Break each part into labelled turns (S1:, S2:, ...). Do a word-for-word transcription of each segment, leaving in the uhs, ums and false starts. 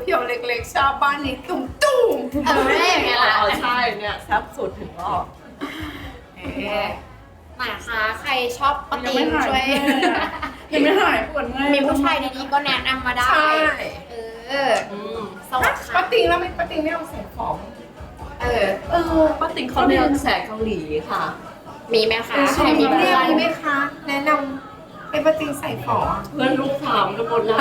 S1: พียวๆเล็กๆชอบบ้านนี้ตุ้มตุ้ม
S2: เออไม่ได้อย่างเงี้ยล่ะ
S3: ใช่เนี่ยแซ่บสุดถึงรอบ
S1: เอ๊ะ
S2: ไหนคะใครชอบปะติงช่วย
S1: ยังไม่หายปวดเมื่อย
S2: มีผู้ชายดีๆก็แนะนำมาได้
S1: ใช่
S2: เออ
S3: อืม
S2: สวัสดี
S1: ป้า
S2: ค่ะ
S1: ติงแล้วไม่ป้าติงไม่เอาใส่ของ
S2: เออ
S3: เออป้าติ๋งเขาเรียนแสงเกาหลีค่ะ
S2: มีไหมคะใครมี
S1: เรี
S2: เพื่
S1: ย
S2: อน น
S1: ไหมคะ แนะนำให้ป้าติงใส่ของ
S3: เพื่อนลูกถามกันหมดแล้ว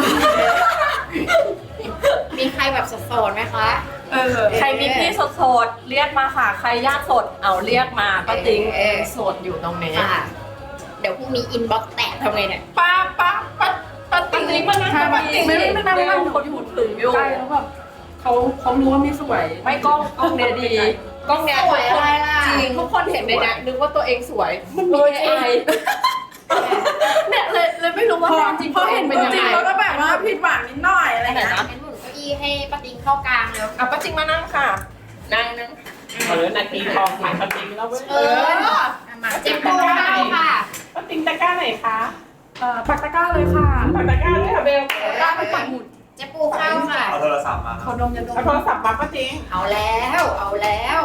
S2: มีใครแบบโสดๆไหมคะ
S1: เออ
S3: ใครมีพี่สดๆเรียกมาค่ะ ใครยากสดเอาเรียกมาป้าติ๋งสดอยู่ตรงนี้
S2: ค่ะ เดี๋ยวพรุ่งนี้อินบ็อกซ์แตกทำไงเนี่ย
S1: ป้าป้าป้าป้าติ
S3: ป้าง ติ๋งมานั่ง
S1: ใช่ป้าติงไม่ไม่ไม่ไม่ไม่
S3: คนพูดถึงอยู่
S1: ใช่แล้วแบบเขาเขารู้ว่าไม่สวย
S3: ไม่กล้องกล้องเนี้ยดีกล้องเนี้ย
S2: สวยอะไรล่ะ
S3: จริงทุกคนเห็นในเนี้ยนึกว่าตัวเองสวยมันมีเอไอเนี่ยเลยเลยไม่รู้ว่า
S1: พอ
S3: จริง
S1: พอเห็น
S3: เป็
S1: เป็น น
S3: ยัง
S1: จริง
S3: ไง
S1: แล้วก็แบบว่าผิดหวังนิดหน่อยอะไร
S3: ไหน
S1: เงี้ย
S3: นะ
S2: เป็นหมุนเก้าอี้ให้ปะติงเข้ากลางแล้ว
S3: อ่ะป้าจิงมานั่งค่ะนั่งนั่งเออนาทีทองขายป้าจิงแล้วเว้ย
S2: เออมาเจ็บปูเข้าค่ะ
S3: ป้าจิงตะกร้าไหนคะ
S1: เอ่อปักตะกร้าเลยค่ะ
S3: ปักตะกร้าเลยค่ะเบล
S1: ตะกร้าไปปักหมุด
S2: เจ็บปูเข้าค่ะ
S4: เอาโทรศัพท์มาค
S1: เขา
S4: รับ
S1: ดมยาดม
S3: เอาโทรศัพท์มาป้าจิง
S2: เอาแล้ว เอาแล้ว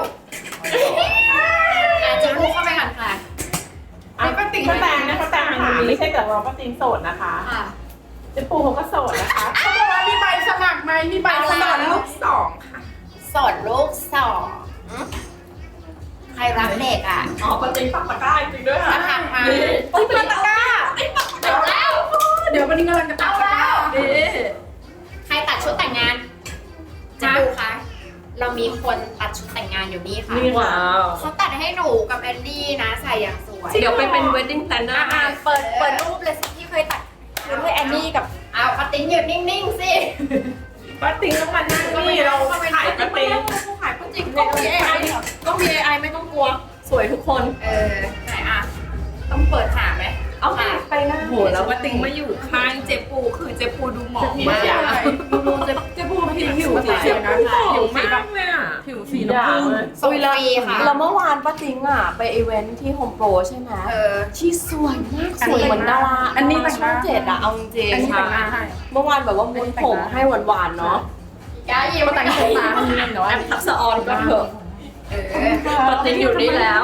S2: อ่ะเจ็บปูเข้าไปก่อนค่ะ
S3: อ่ะป้าติงป้าแตงนะป้าแตงค่ะไม่ใช่แต่เราป้าจิงโสดนะคะ
S2: ค่ะ
S3: เจ๊ปูเขาก็โสดนะคะ
S1: เขาบอกว่ามีใบสมัครไหมมีใบสมัครลูกสองค่ะ
S2: สดลูกสองใครรักเด็กอ่ะ
S3: อ๋อป้าจิงปักตะกร้าจริงด้วย
S2: มา
S3: ค่ะ
S2: ทำมา
S3: ต้องปักตะกร้า
S2: เอาแล้ว
S1: เดี๋ยววันนี้กำลังจะปักตะกร้า
S3: ดี
S2: ใครตัดชุดแต่งงานเจ็บปูคะเรามีคนตัดชุดแต่งงานอยู่นี่ค่ะ
S3: นี่ว้าว
S2: เขาตัดให้หนูกับแอนดี้นะใส่อย่างสวย
S3: เดี๋ยวไปเป็น wedding planner
S2: อ่าเปิดเปิดรูปเลยสิที่เคยตัดชุดให้แอนนี่กับเอาปาติ้งอยู่นิ่งๆสิ
S3: ป้าติงต้องมานั่งนี่เราขายป้าติง
S1: ขายป้าติง
S3: ก็มี เอ ไอ ก็มี เอ ไอ ไม่ต้องกลัว สวยทุกคน
S2: เออไหนอ่ะต้องเปิดหาไหม
S3: เอาไปหน้า
S1: โหแล้วป้าติงมาอยู่ข้างเจ๊ปูคือเจ๊ปูดูหมองมาก
S3: อย่า
S1: ดูดูเจ๊เจ๊ปูผิวผิวสีเขียวนะผิวสีแบบ
S3: เลยอ่ะ
S1: ผิวสีน้ำผึ้ง
S2: ส่งฟรีค่ะ
S3: แล้วเมื่อวานป้าติงอ่ะ ไปอีเวนท์ที่โฮมโปรใช่ไหม
S2: เออ
S3: ที่สวยมาก สวยเหมือนดารา
S1: อันนี้แต่งห
S3: ช่อ
S1: น้าง
S3: เจ็ดอะเอาจริง
S1: อันนี้
S3: ๆ
S1: แต่งหน้าให้
S3: เมื่อวานแบบว่ามุนผมให้หวานๆเนาะ
S2: กายิ้ม
S1: มาแต่งขนตาให้นิดนึงเนาะ
S3: แอปทักษะออนก็เถอะ
S2: เออ
S3: ป้าติงอยู่นี่แล้ว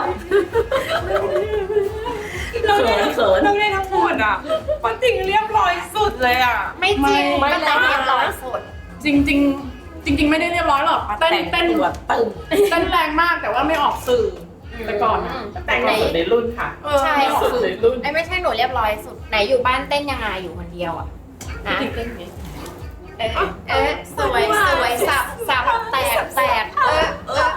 S3: เขินเขิน
S1: เราได้ทั้งหมดอ่ะป้าติงเรียบร้อยสุดเลยอ่ะ
S2: ไม่จริง
S3: ไม่
S2: ก็แต่ง
S3: ไม่
S2: เรียบร้อยสุด
S1: จริงจริงๆจริง ๆ ไม่ได้เรียบร้อยหรอกเต้นเต้น
S3: ตัวตึง
S1: เต้นแรงมากแต่ว่าไม่ออกสื่อแต่ก่อนอะ
S3: แต่งสุดในรุ่นค่ะ
S1: เออ
S2: ใช่
S1: ไม่ออก
S3: สุด
S1: สื่อ
S3: ในรุ่น
S2: ไอ้ไม่ใช่หนูเรียบร้อยสุดไหนอยู่บ้านเต้นยังไงอยู่คนเดียวอ่ะนะ
S3: จริงเต้นไง
S2: เออเออสวยสวยสับสับแตกแตกเออเออ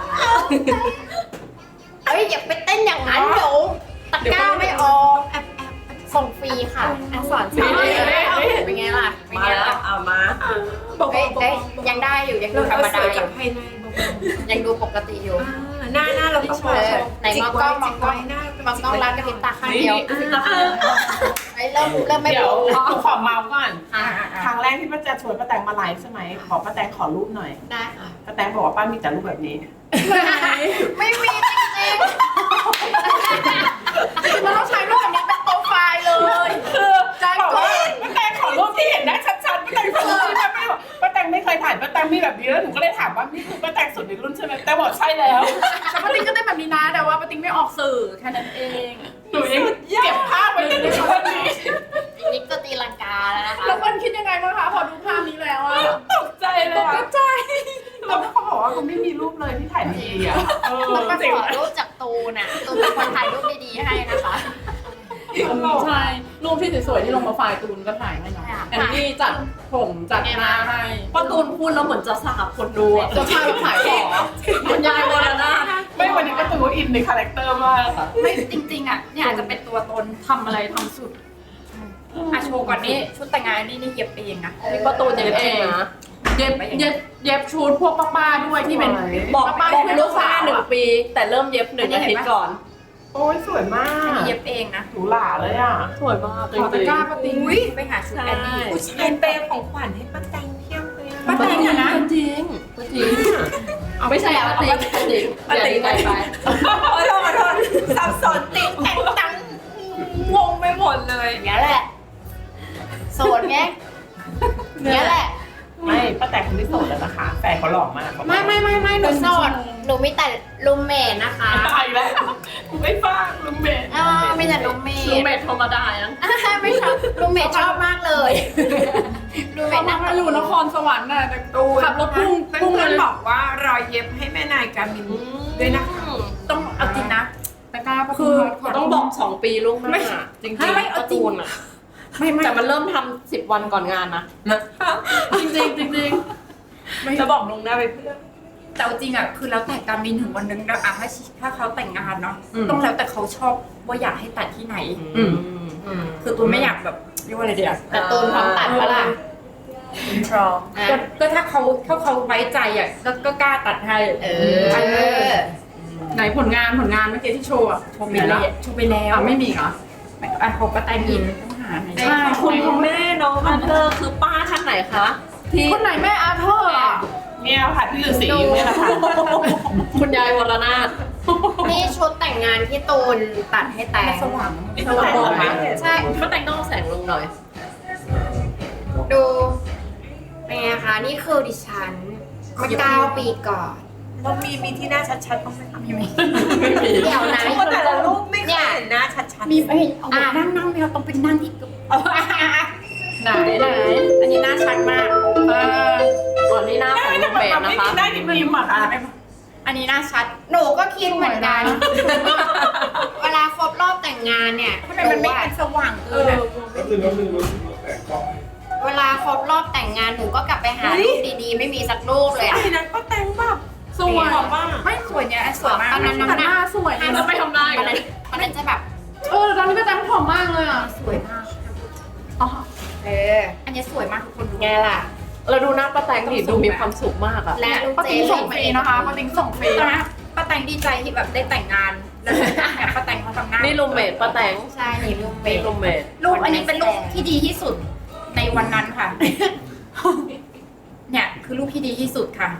S2: เอ้ยอย่าไปเต้นอย่างนั้นเดี๋ยวตะกร้าไม่ออกแอบแอบส่งฟรีค่ะอันสอนฟรีเป็นไงล่ะเป็น
S3: มา
S2: ไง
S3: แล้ว
S2: ล่ะ
S3: เอามา
S2: เอ้ยได้ยังได้อยู่ยังดูธรรมดาอยู่
S1: ภายใน
S2: ยังดูปกติอยู่
S1: หน้าหน้าเราต้อง
S2: เออไหนมองกล้องมองกล้องมองกล้องร้านกระพริบตาข้างเดียวไอ้เริ่มเริ่มไม่
S3: เดี๋ยว
S2: โป๊ะ
S3: ขอเมาส์ก่อน
S2: อ่า
S3: ครั้งแรกที่ป้าแจชวนป้าแตงมาไลฟ์ใช่ไหมขอป้าแตงขอรูปหน่อย
S2: ได้ค่ะ
S3: ป้าแตงบอกว่าป้ามีแต่รูปแบบนี้
S2: ไม่มีจริง
S1: มันต้องใช้รูปแบบนี้เป็นโปรไฟล์เลย
S3: คือบอกว่าป้าแตงขอรูปที่เห็นได้ชัดๆป้าแตงขอรูปที่ป้าไม่บอกป้าแตงไม่เคยถ่ายป้าแตงมีแบบนี้แล้วหนูก็เลยถามว่านี่คือป้าแตงสุดในรุ่นใช่ไหมแต่บอกใช่แล้ว
S1: แต่ป้าติ๊งก็ได้แบบนี้นะแต่ว่าป้าติ๊งไม่ออกสื่อแค่นั้นเอง
S3: หนูยังเก็บภาพไว้จนถึงวันนี้
S2: ๆอีกนิดก็ตีลังกาแล้วนะคะ
S1: แล้วคนคิดยังไงบ้างคะพอดูภาพนี้แล้วอะ
S3: ตกใจเลย
S1: ต
S3: อะ
S1: กใจ
S3: แล้วเขาบอกว่าเขาไม่มีรูปเลยที่ถ่ายดีอ่ะเออ
S2: ต้องมา
S3: จริง
S2: ขอรูปจากตูนน่ะตูนเป็นคนถ่ายรูปดีๆให้นะคะ
S1: ใช่รูปที่สวยๆที่ลงมาไฟล์ตูนก็ถ่ายให้เนาะแอนนี่จัดผมจัดหน้าให้
S3: ป้าตูนพูดแล้วเหมือนจะสาบคนดูอ่ะ
S1: จะพาไปขายของ
S3: คุณยายวรนาถไม่วันนี้ก็ตูอินในคาแรคเตอร์มากค่ะ
S5: ไม่จริงๆอ่ะเนี่ยอาจจะเป็นตัวตนทำอะไรทำสุดอาโชว์ก่อนนี่ชุดแต่งงานนี่นี่เย็บเองนะ
S3: นี่ป้าตูนเย็บเองนะ
S1: เย็บเย็บเย็บชุดพวกป้าๆด้วยที่เป็น
S3: บอก
S1: ป้า
S3: บอก
S1: ๆที่เป็น
S3: ลู
S1: ลู
S3: ก
S1: ก
S3: ค้า
S1: สาว
S3: หนึ่งปี แต่เริ่มเย็บหนึ่งอาทิตย์ก่อน โอ้ยสวยมา
S5: อัน
S3: ก
S5: นี้เย็บเองนะ
S3: หรูหราเลยอ่ะสวยมาก
S1: ขอตะกร้าป้าติ๊ง
S5: อุ้ยไปหาชุดแอนนี่
S1: เป็นเปย์ของขวัญให้ป้าแตงเพียบเลย
S5: ป้าแตงอะนะ
S3: จริงจริงไม่ใช่ป้าติ๋งป้าติ๋งป้าติ๋งไปไป
S5: ขอโทษขอโทษสับสนติดแต่งตังงงไปหมดเลย
S2: อย่างนี้ยแหละโสดไงอย่างนี้ยแหละ
S3: ไม่ป้าแตงงไม่โสดแล้วนะคะแฟนเขาหล่อมาก
S2: ไม่ไม่ไม่ไม่หนูโสดหนูมีแต่รูมเมทนะคะ
S3: ตายแล้วไม่ฟังลุงเบน
S2: เออมีแต่รูมเม
S1: รู
S2: ท
S1: เมทธรรมดายัง
S2: ไม่ชอบรูมเมทชอบมากเลยรูมเม
S1: เขา
S2: ท
S1: มา
S2: นั่ง
S1: มาอยู่นครสวรรค์น่ะแต่
S5: ตูน
S1: ขับรถพุ่ง
S5: เพื่
S1: พุ่ง
S5: อน
S1: เลย
S5: ๆบอกว่ารอยเย็บให้แม่นายกามินด้วยนะคะต้องเอาจริงนะ
S1: แต่กล้าปะ
S4: คือต้องบอกสองปีล่วงหน้า
S5: ไม่
S4: จริง
S5: ไม่
S4: ๆ
S5: เอา
S4: การ์
S5: จริง
S4: ตูนอ่ะ
S5: ไม่ไม่
S4: แต่มันเริ่มทำสิบวันก่อนงานนะ
S1: จริงจริงจริงจริง
S4: จะบอกลวงหน้าไปเพื่อน
S5: แต่เอาจริงอ่ะคือแล้วแต่การมินถึงวันนึงนะอ่ะถ้าถ้าเขาแต่งงานเนาะต้องแล้วแต่เขาชอบว่าอยากให้ตัดที่ไหน
S4: อืม
S5: คือตูนไม่อยากแบบเรียกว่าอะไรเดียว
S2: แต่ตูนพร้อมตัดปะล่ะ
S5: อินทรอ
S2: อ่ะ
S5: ก็ก็ถ้าเขาถ้าเขาไว้ใจอ่ะก็ก็กล้าตัดให้
S2: เออ
S1: ไหนผลงานผลงานเมื่อกี้ที่โชว์อะ
S5: โชว์ไปแล้วโชว์ไปแล้ว
S1: อ่ะไม่มีเหรอ
S5: อ่ะเขาก็แต่งอินต้องหาไหน
S1: ใช่
S4: คุณพ่อแม่น้องอันเธอร์คือป้าท่านไหนคะที่
S1: คนไหนแม่อาเธอร์อะ
S3: เนี่ยค่ะพี่ฤาษีเนี่ยแหละค่ะ
S4: คุณยายวรนาถ
S2: นี่ชุดแต่งงานที่ตูนตัดให้แต่ง
S5: สว่าง
S3: สว่างไหม
S2: ใช่
S4: ก็แต่งต้องเอาแสงลงหน่อย
S2: ดูเป็นไงคะนี่คือดิฉันเมื่อเก้าปีก่อน
S6: เรามีมีที่หน้าชัดๆบ้างไหมคะ
S5: มีไหม
S2: เดี๋ยวนะ
S6: เพราะแต่ละรูปไม่เคยเห็นหน้าชัดๆ
S5: มีเอ้ยเอาแบบนั่งนั่งเราต้องเป็นนั่งที่กึบ
S1: ไหนไหน
S5: อันนี้น่าชัดมาก
S1: เออ
S4: ก่อนนี้หน้าของลูกเบส
S3: ไม่
S4: นะคะ
S3: มีได้ยิ้มยิ้มอ่ะค่ะ
S5: อันนี้น่าชัด
S2: หนูก็คิดเหมือนกัน เวลาครบรอบแต่งงานเนี่ย
S5: ทำไมมันไม่
S2: หอะ
S5: เป็นสว่างเกินอ่ะ
S2: เวลาครบรอบแต่งงานหนูก็กลับไปหารูปดีๆ ไม่มีสักรูปเลยอะ
S6: ไอ้นั้นก็แต่งแบบ
S1: สวย
S6: บอกว่า
S5: ไม่สวยเนี่ยสวยมาก
S2: ตอนนั้นน้ำ
S1: แต่
S2: ห
S1: ห
S2: นั
S1: น้าก สวย
S2: ห้า
S1: แล้วไปทำได้
S2: มันนั้นมันนั้นจะแบบ
S1: เออตอนนี้ก็จำผอมมากเลยอ่ะ
S5: สวยมาก
S1: อ๋อ
S2: เออ
S5: อันนี้สวยมากทุกคนดู
S2: ไงล่ะ
S4: เราดูหน้าป้าแตงดิดูมีความสุขมากอ่ะ
S2: และลูก
S1: ป้า
S2: เจ
S1: ติ๋ง
S2: น
S1: ส่งฟรีนะคะป้าติ๋งส่งฟรี
S5: ตอนนั้นป้าแตงดีใจที่แบบได้แต่งงานแล้วเนี่ยป้าแตงเขาทำหน้า
S4: นี่รูมเมทป้าแตง
S2: ใช่นี่ลูกเบ
S4: นี่
S2: ส
S4: รูมเมท
S5: รูปอันนี้เป็นรูปที่ดีที่สุดในวันนั้นค่ะ เนี่ยคือรูปที่ดีที่สุดค่ะ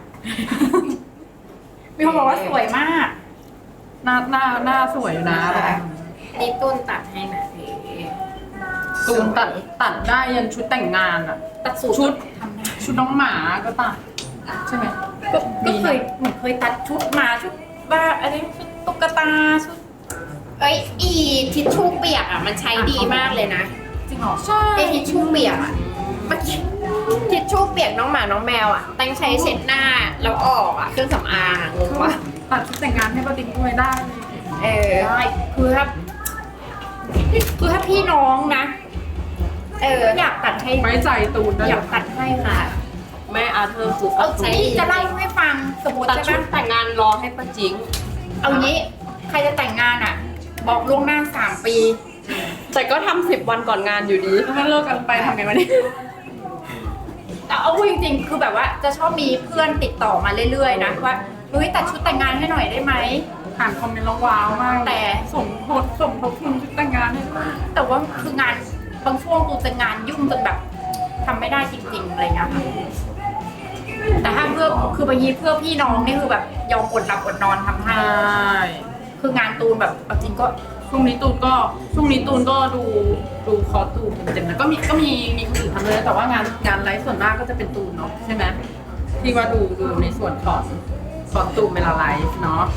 S5: มีคนบอกว่าสวยมาก
S1: หน้าหน้าหน้าสวยอยู่นะ
S2: นี่ตุ้นตัดให้นะพี่
S1: ตูนตัดตัดได้ยันชุดแต่งงานอ่ะ
S5: ตัดสูตร
S1: ชุด
S5: ทำได้
S1: ชุดน้องหมาก็ตัดใช่ไหม
S5: ก็ก็เคยเหมือนเคยตัดชุดมาชุดบ้าอะไรชุดตุ๊กตาชุด
S2: เอ้ยอีทิชชู่เปียกอ่ะมันใช้ดีมากเลยนะ
S5: จริงเหรอ
S1: ใช่
S2: ไอทิชชู่เปียกอ่ะเมื่อกี้ทิชชู่เปียกน้องหมาน้องแมวอ่ะตั้งใช้เช็ดหน้าแล้วออกอ่ะเครื่องสำอางอะงงปะ
S1: ตัดชุดแต่งงานให้ป้าติ๋งด้วยได้เลย
S2: เออ
S5: ได้คือถ้าคือถ้าพี่น้องนะ
S2: เออ
S5: อยากตัดให้
S1: ไว้ใจตูนได้
S5: อยากตัดให้ค่ะ
S4: แม่อาเธอร์คือ
S2: เอาใช้
S5: นี่จะเล่าให้ฟังสมมติ
S4: ตัด
S5: ใช่
S4: ชุ
S5: ไหม
S4: ดแต่งงานรอให้ป้าจิง
S5: เอางี้ใครจะแต่งงานอ่ะ บอกล่วงหน้าสามปี
S4: แต่ก็ทำสิบวันก่อนงานอยู่ดี
S1: ถ้าเลิกกันไปทำไงวะเนี่ย
S5: แต่เอาพูดจริงๆ คือแบบว่าจะชอบมีเพื่อนติดต่อมาเรื่อยๆนะว่าเฮ้ยตัดชุดแต่งงานให้หน่อยได้ไหม
S1: อ่านคอมเมนต์แล้วว้าวมาก
S5: แต่
S1: สมทบสมทบทุนชุดแต่งงานให้ด้วย
S5: แต่ว่าคืองานบางช่วงกูจะงานยุ่งจนแบบทำไม่ได้จริงๆอะไรเงี้ยค่ะแต่ถ้าเพื่อคือบางทีเพื่อพี่น้องนี่คือแบบยอมอดหลับอดนอนทำให้
S1: ใช่
S5: คืองานตูนแบบเอาจริงก็
S1: ช่วงนี้ตูนก็ช่วงนี้ตูนก็ดูดูคอร์สตูนเต็มๆนะก็มีก็มีมีคนอื่นทำเลยแต่ว่างานงานไลฟ์ส่วนมากก็จะเป็นตูนเนาะใช่ไหมที่ว่าดูดูในส่วนของคอร์สตูนเวลาไลฟ์เนาะ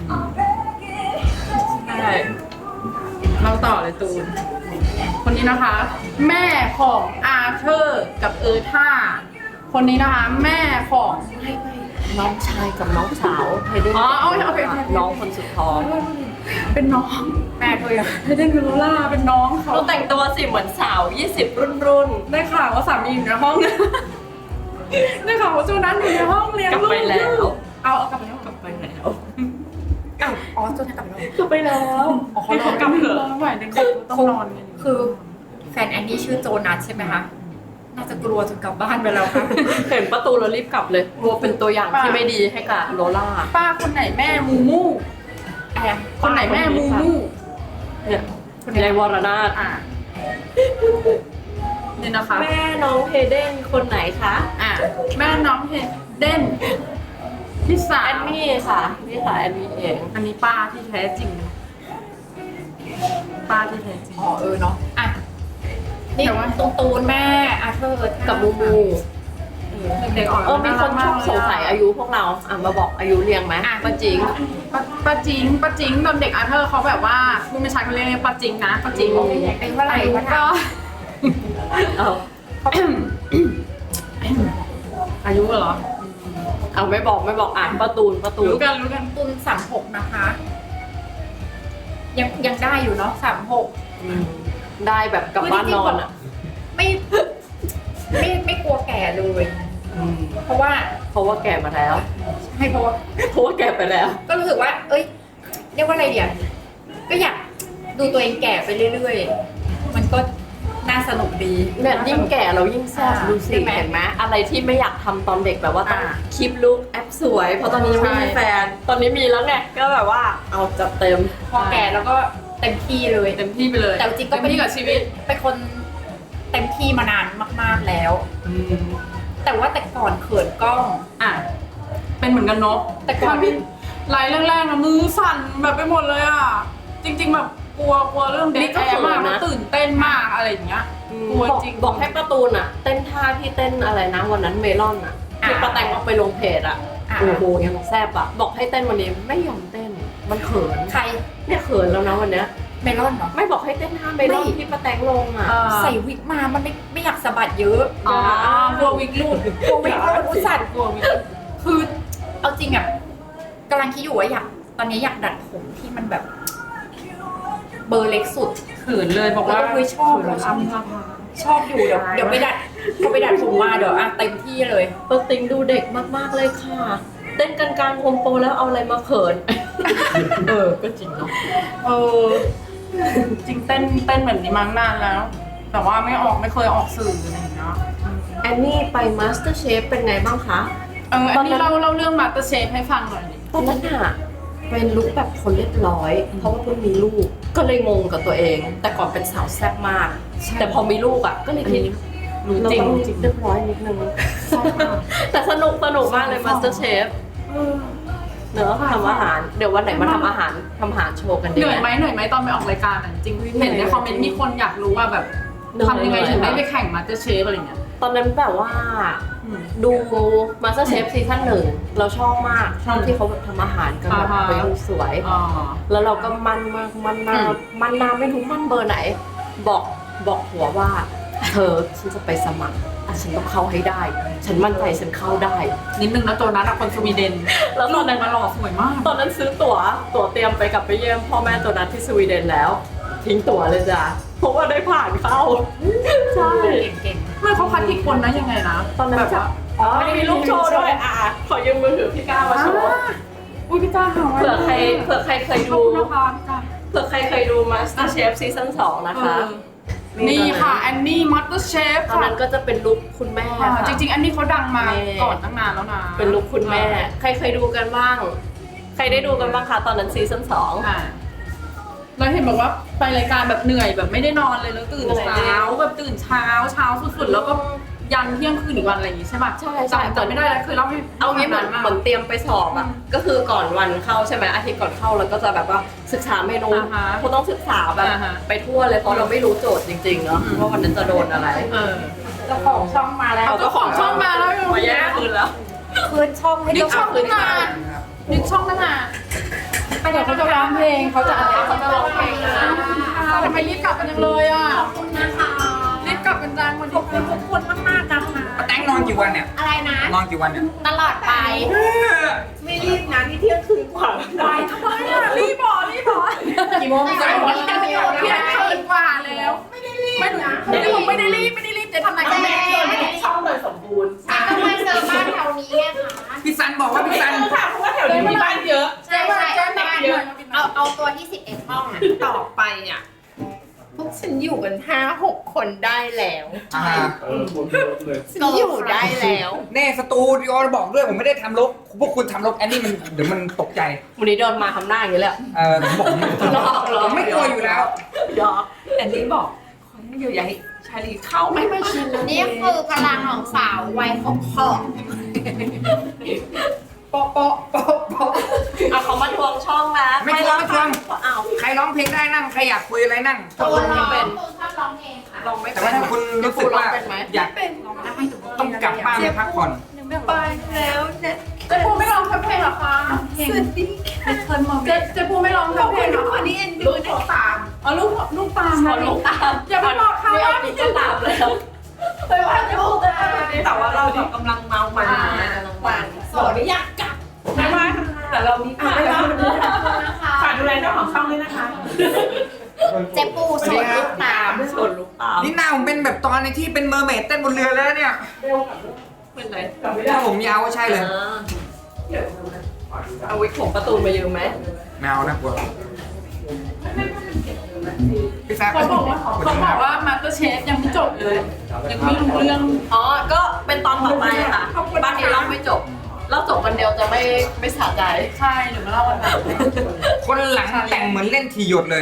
S1: ใช่เราต่อเลยตูน คนนี้นะคะ แม่ของอาเธอร์กับเออร์ธาคนนี้นะคะ แม่ของ
S4: น้องชายกับน้องสาวไฮเดน
S1: อ๋อโอเคโอเคโอเค
S4: น้องคนสุดท้อง
S1: เป็นน้อง
S5: แม่เธออะ
S1: ไม่ได้คือโลล่าเป็นน้องเขา
S4: เราแต่งตัวสิเหมือนสาวยี่สิบรุ่นรุ่น
S1: ได้ข่าวว่าสามีอยู่ในห้อง ได้ข่าวว่าจูนั้นอยู่ในห้องเลี้ยง
S4: กลับ
S1: ลูก
S4: ไปแล้ว
S1: เอาเอากลับไปแล้ว
S4: กลับไปแล้ว
S5: อ้าวอ๋อจนจะกลับแล้ว
S4: กลับไปแล้ว
S1: อ๋อเขากลับเถอะไม่ไหวเด็กๆต้องนอนกัน
S5: คือแฟนแอนนี่ชื่อโจนัสใช่ไหมคะน่าจะกลัวจนกลับบ้านไปแล้วค่ะ
S4: เห็นประตูเรารีบกลับเลยกลัวเป็นตัวอย่างที่ไม่ดีให้กับโลล่า
S1: ป้าคนไหนแม่มูมู
S5: อะไรอะ
S1: คนไหนแม่มูมู
S4: เนี่ยยายวรนาถ
S1: อ่ะนี่นะคะ
S4: แม่น้องเฮเดนคนไหนคะ
S1: อ่ะแม่น้องเฮเดนพี่สา
S4: แอ
S1: วน
S4: นี่ค่ะนี่ค่ะแอนนี่เอง
S1: อันนี้ป้าที่แท้จริง ป้าที่แท้จริง
S5: อ๋อเออเนาะอ่ะนี่
S1: แต่ว่า
S5: ตรงตูนแม่อาเธอร์
S4: กับมูมู
S5: อื
S1: เด็กๆออก
S4: เออมีคนชอบสงสัยอายุพวกเราอ่ะมาบอกอายุเรียงไหมป้าจริง
S1: ป้าป้าจิงป้าจิงตอนเด็กอาเธอร์เขาแบบว่าผู้ไม่ใช่เขาเรียกป้าจิงนะป้าจิง
S5: เป็นเท่าไหร่
S1: อายุ
S5: วะ
S1: ก็
S4: เอา
S1: อายุเหรอ
S4: เอาไม่บอกไม่บอกอ่านประตูนประตูน
S1: รู้กันรู้กัน
S5: ตุนสามหกนะคะ ยังยังได้อยู่เนาะสามหก
S4: อืมได้แบบกลับบ้านนอนอ่ะ
S5: ไม่ไม่ไม่กลัวแก่เลย
S4: อืม
S5: เพราะว่า
S4: เพราะว่าแก่มาแล้ว
S5: ให้เพราะว่า
S4: เพราะว่าแก่ไปแล้ว
S5: ก็รู้สึกว่า เอ้ย เรียกว่าอะไรเดียวก็อยากดูตัวเองแก่ไปเรื่อยๆ มันก็น่าสนุกดี
S4: เนี่ยยิ่งแก่เรายิ่งแซ่บ
S5: อ่า
S4: ดูสิ
S5: ใช่ไหม
S4: เห็นไหมอะไรที่ไม่อยากทำตอนเด็กแบบว่าต้อง
S1: อ่า
S4: คลิปลุกแอปสวย เพราะตอนนี้ยังไม่มีแฟน ตอนนี้มีแล้วไงก็แบบว่าเอาจัดเต็ม
S5: พอแก่แล้วก็เต็มที่เลย
S1: เต็มที่ไปเลย
S5: แต่จริงก็
S1: เต็มที่กับชีวิต
S5: เป็นคนเต็มที่มานานมากๆแล้ว แต่ว่าแต่ก่อนเขินกล้อง
S1: อ่ะเป็นเหมือนกันเนาะ
S5: แต่ก่อน
S1: ไลน์แรกๆนะมือสั่นแบบไปหมดเลยอ่ะ จริง ๆ แบบกลัวกลัวเรื่องเด็
S4: นี่
S1: ก
S4: ก็
S1: แอร์มาก
S4: เขินนะ
S1: แล้วตื่นเต้นมากอะไรอย่างเงี้ย กลัว
S4: บอก
S1: จริง
S4: บอกให้ประตูนอ่ะ เต้นท่าที่เต้นอะไรนะวันนั้นเมลอนอ่ะที่ป้าแตงเอาไปลงเพจอ่ะ
S5: อ่ะ
S4: โอ้โหยังแซ่บอ่ะบอกให้เต้นวันนี้ไม่ยอมเต้นมันเขิน
S5: ใคร
S4: เนี่ยเขินแล้วนะวันเนี้ย
S5: เมลอนเหรอ
S4: ไม่บอกให้เต้นท่าเมลอน
S5: ไม่
S4: ที่ป้าแตงลงอ่ะ
S1: เออ
S5: ใส่วิกมามันไม่ไม่อยากสะบัดเยอะ
S1: อ๋อกลัววิกรูด
S5: กลัววิกรูดอุตส่าห์
S1: กลัววิก
S5: คือเอาจริงอ่ะกำลังคิดอยู่ว่าอยากตอนนี้อยากดัดผมที่มันแบบ เบอร์เล็กสุด
S1: เขินเลยบอกว่า
S5: แล้วก็คือชอบ
S1: เขินชอบ
S5: ชอบอยู่เดี๋ยวเดี๋ยวไปดัดพอไปดัดผมมาเดี๋ยวอ่ะเต็มที่เลย
S4: ป้าติงดูเด็กมากๆเลยค่ะ เต้นกันกลางโฮมโปรแล้วเอาอะไรมาเขิน เออก็จริงเนาะ
S1: เออจริงเต้นเต้นแบบนี้มาตั้งนานแล้ว แต่ว่าไม่ออกไม่เคยออกสื่ออะไรอย่างเงี้ย
S4: แอนนี่ไปมาสเตอร์เชฟเป็นไงบ้างคะ
S1: เอออันนี้เล่าเล่าเรื่องมาสเตอร์เชฟให้ฟังหน่อยดิ
S4: ตอนนั้นอะเป็นลุคแบบคนเรียบร้อย เพราะว่าเพิ่งมีลูก ก็เลยงงกับตัวเอง แต่ก่อนเป็นสาวแซ่บมาก แต่พอมีลูกอะก็เลยคิด
S1: รู้
S4: เรา
S1: จริง
S4: ต้อง
S1: จริง
S4: เรียบร้อยนิดนึง แต่สนุกสนุกมากเลยมาสเตอร์เชฟเนอะทำอาหาร เดี๋ยววันไหนมาทำอาหารทำอาหารโชว์กันดี
S1: เหนื่อยไหมเหนื่อยไหมตอนไปออกรายการอ่ะจริงเห็นในคอมเมนต์มีคนอยากรู้ว่าแบบทำยังไงถึงได้ไปแข่งมาสเตอร์เชฟอะไรเงี้ย
S4: ตอนนั้นแบบว่า ดูมาสเตอร์เชฟซีซั่นหนึ่งเราชอบมาก ชอบที่เขาแบบทำอาหารกันแบบ
S1: อ่าฮะ
S4: ไปดูสวย
S1: อ๋อ
S4: แล้วเราก็มันมากมันนา
S1: อืม
S4: มันนาไม่รู้มันเบอร์ไหน บอกบอกหัวว่า เธอฉันจะไปสมัครอ่ะฉันต้องเข้าให้ได้ ฉันมั่นใจฉันเข้าได้
S1: นิดนึงนะตัวนั้นอะคนสวีเดน
S4: แล้วตอนนั้น
S1: มาหล่อสวยมาก
S4: ตอนนั้นซื้อตั๋วตั๋วเตรียมไปกลับไปเยี่ยมพ่อแม่ตัวนั้นที่สวีเดนแล้ว ทิ้งตั๋วเลยจ้ะเพราะว่าได้ผ่านเข้าใช่
S5: เก่ง
S1: เมื่อเขาคัดกี่คนนะยังไงนะ
S4: ตอนนั้น
S1: แบบ
S4: จะ
S1: ว่า
S4: อ๋อมีลูกโชว์ด้วยอ่ะขอยืมมือถือพี่ก้าวมาโชว์
S1: อุ้ยพี่ก้าหา
S4: เผื่อใครเผื่อใครเคย
S1: ขอบ
S4: ดู
S1: คุณนะคะพี่ก้า
S4: เผื่อใครเคยดู MasterChef ซีซั่นสองนะคะ
S1: เออนี่ค่ะแอนนี่มัตเตอร์เชฟ
S4: ตอน
S1: ค่ะ
S4: นั้นก็จะเป็นลุคคุณแม่
S1: อ่า
S4: ค่ะ
S1: จริงๆ อันนี้เขาดังมา
S4: แม่
S1: ก่อนตั้งนานแล้วนะ
S4: เป็นลุคคุณแม่ ใครเคยดูกันบ้าง ใครได้ดูกันบ้างคะตอนนั้นซีซั่นสอง
S1: อ่าแล้วเห็นบอกว่าไปรายการแบบเหนื่อยแบบไม่ได้นอนเลยแล้วตื่น
S4: เหนื่อย
S1: เช้าแบบตื่นเช้าเช้าสุดๆแล้วก็ยันเที่ยงคืนอีกวันอะไรอย่างงี้ใช่ป่ะ
S4: ใช่ใช่
S1: จำจำไม่ได้แล้วเคยเล่าให้
S4: เอางี้เหมือน
S1: มาก
S4: เหมือนเตรียมไปสอบอ่ะ ก็คือก่อนวันเข้าใช่ไหมอาทิตย์ก่อนเข้าเราก็จะแบบว่าศึกษาเมนู
S1: อ่าฮะ
S4: เขาต้องศึกษาแบบ
S1: อ่าฮะ
S4: ไปทั่วเลยเพราะเราไม่รู้โจทย์จริงๆเนาะ
S1: อืม
S4: ว่าวันนั้นจะโดนอะไร
S1: เออ
S5: ๆเจ้าของช่องมาแล้ว
S1: เอาเจ้าของช่องมาแล้ว
S4: มาแย่งคืนแล้ว
S5: คืนช่องให้
S1: ยึด
S5: เจ้า
S1: ช่
S5: ข
S1: อ
S5: อง ง
S1: ตั้งนานยึดช่องตั้งนานเดี๋ยวเขาจะร้องเพลงเขาจะอะไรเขาจะร้องเพลงนะทำไมรีบกลับกันจังเลยอ่ะ
S5: ขอบคุณนะคะ
S1: รีบกลับกันจังวัน
S5: ขอบคุณทุกคนมากๆนะคะ
S7: ป้าแตงนอนกี่วันเนี่ย
S5: อะไรนะ
S7: นอนกี่วันเนี่ย
S5: ตลอดไป
S6: ไม่รีบนะนี่เที่ยงคืนกว่าแล้ว
S1: ไปทำไมอ่ะรีบบอกรีบบอก
S5: กี่โมง
S1: ไม่
S5: กี่
S1: ได้
S5: โม
S1: บอก
S5: ง
S1: เที่ยงคืนกว่าแล้วไม่ได้รีบไม่ได้รีบไม่ได้รีบไม่ได้รีบจะทำอะไรก็ไม่ได้รีบไม่ได้รีบ
S4: ช่องเลยสมบูรณ์
S5: ก็มาเจอบ้านแถวนี้ไงคะ
S7: พี่ซันบอกว่าพี่ซัน
S3: ค่ะเพราะว่าแถวนี้มีบ้านเยอะ
S5: ใช่ใช่
S1: แจ้งมาเยอะ
S5: เอาเอาตัวที่สิบเอ็ดห้องอ่ะ
S6: ต่อไปอ่ะ พวกฉันอยู่กันห้าหกคนได้แล้ว
S7: อ่า
S6: ฉันอยู่ได้แล้ว
S7: เน่สตูดิโอบอกด้วยผมไม่ได้ทำลกพวกคุณทำลกแอนนี่มันเดี๋ยวมันตกใจ
S4: วันนี้เดินมาทำหน้าอย่างนี้เลยอะ
S7: เออผมบอกผมไม่
S4: หลอกหลอก
S7: ผมไม่กลัวอยู่แล้ว
S4: หยอก
S6: แต่นี่บอกขอให้อยู่อย่าให้ชาลีเข้าไม่ไม่ชินแล้ว
S5: นี่คือพลังของสาววัยขอบขอบ
S7: โป๊ะโป๊ะโป๊ะโป๊ะ
S4: เอาเขามาทวงช่องแล้ว
S7: ไม่ทวงไม่ทวง
S4: อ้าว
S7: ใครร้องเพลงได้นั่งใครอยากคุยอะไรนั่ง
S5: ตัวร้องชอบร้องเพลงค่ะ
S4: ลองไม่
S7: แต่
S4: เป็
S7: ว่าน ถ้าคุณรู้สึกว่า
S4: เป็นไหม
S7: อยาก
S5: ร้องได้หนู
S7: ต้องการลับบ้านไปพักผ่อน
S6: ไปแล้วนะ
S1: เจ๊ปูไม่ร้องเพลงเหรอคะ
S6: สวัสดีค่ะ
S1: เจ๊เจ๊ปูไม่ร้อง
S6: ขอบ
S1: เพล
S6: คุณ
S1: งเหร
S6: ทุ
S1: อก
S6: คนที่เอ็นดู
S1: ลูก
S6: นะ
S1: ขอตามอ๋อลูกลูกตามนะลูกตามอย่าไปบอกเขาว่าพี่จะตามเลยไปว่าลูกตาม
S3: แต่ว่าเราแบบกำลังเมามัน
S6: วันสวัสดีอยากกลับ
S3: ไม่ว่าแต่เรามีค่ะ
S2: นะคะ
S3: ฝากดูแลเจ้าของช่องด้วยนะคะ
S2: เจ๊ปูสวนลูกตาม
S3: ส่วนลูกตาม
S7: นี่หน้าผมเป็นแบบตอนในที่เป็นเมอร์เมดเต้นบนเรือแล้วเนี่ย
S3: เป็นไร
S7: ถ้าผมยาวก็ใช่เลย
S4: เอาวิกผมประตูมายืมไหม
S7: แมวนะกลัวพี่แซ่บ
S1: เขาบอกว่าเขาบอกว่ามาสเตอร์เชฟยังไม่จบเลย ยังไม่รู้เรื่อง
S4: อ๋อ ก็เป็นตอนต่อไปค่ะ บ้านนี้เล่าไม่จบ เล่าจบวันเดียวจะไม่ไม่สะใจ
S1: ใช่เดี๋ยวมาเล่าวันหลัง
S7: คนหลังแต่งเหมือนเล่นทีหยดเลย